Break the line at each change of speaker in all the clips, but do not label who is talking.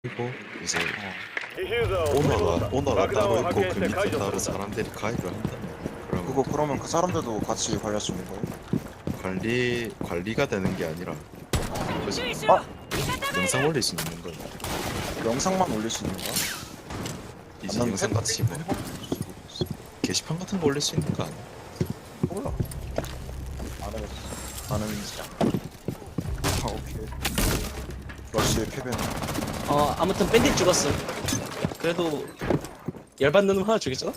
그리고 이제
ディフューザーを取り戻した。
오너가
爆弾
따로
を
있고
発見
그
して
밑에
解除
따로
するんだ。
사람들이 가입을 한다. 그러면
그거 그러면 그 사람들도 같이 관리할 수 있는 거예요?
관리가 되는 게 아니라 그죠?
아!
영상 올릴 수 있는 거야.
영상만 올릴 수 있는 거야?
이제
난
영상 같이 뭐 게시판 같은 거 올릴 수 있는 거 아니야?
몰라. 안 해봤어. 나는 아 오케이. 러시의 패배는
아무튼 밴딧 죽었음. 그래도 열받는 놈 하나 죽였잖아?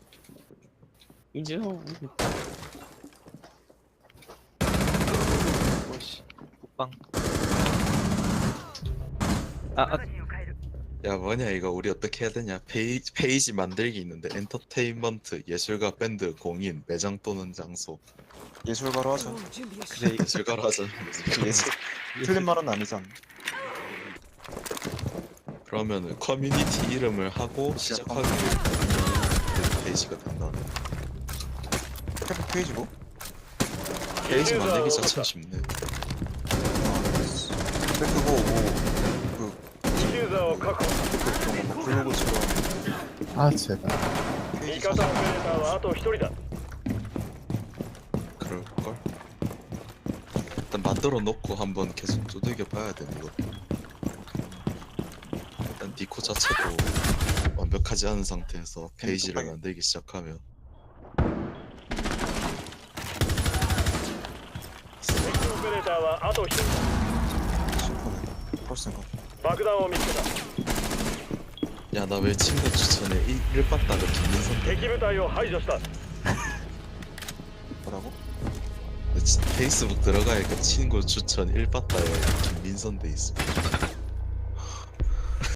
이제
오씨 국방
야 뭐냐 이거 우리 어떻게 해야 되냐? 페이지 만들기 있는데 엔터테인먼트, 예술가, 밴드, 공인, 매장 또는 장소.
예술가로 하자.
그래 예술가로 하자.
예술 틀린 말은 아니잖아.
그러면은 커뮤니티 이름을 하고 시작하기를 그 페이지가 된다.
페북 페이지고?
페이지 만들기 자체가 쉽네.
근데 그거 뭐
ディフューザーを確保。
그런 거뭐 블로그처럼
아 제발.
味
페이지
方オペレーターはあと1人だ。
그럴걸? 일단 만들어 놓고 한번 계속 두들겨 봐야 되는 거. 일단 니코 자체도 완벽하지 않은 상태에서 페이지를 만들기 시작하면
敵オペレーターはあと1人だ。
심플해. 훨씬 거.
爆弾を見つけた。
야 나 왜 친구 추천에 일봤다가 김민선
敵部隊を排除した。
뭐라고?
페이스북 들어가니까 친구 추천 1봤다에 김민선 돼 있어.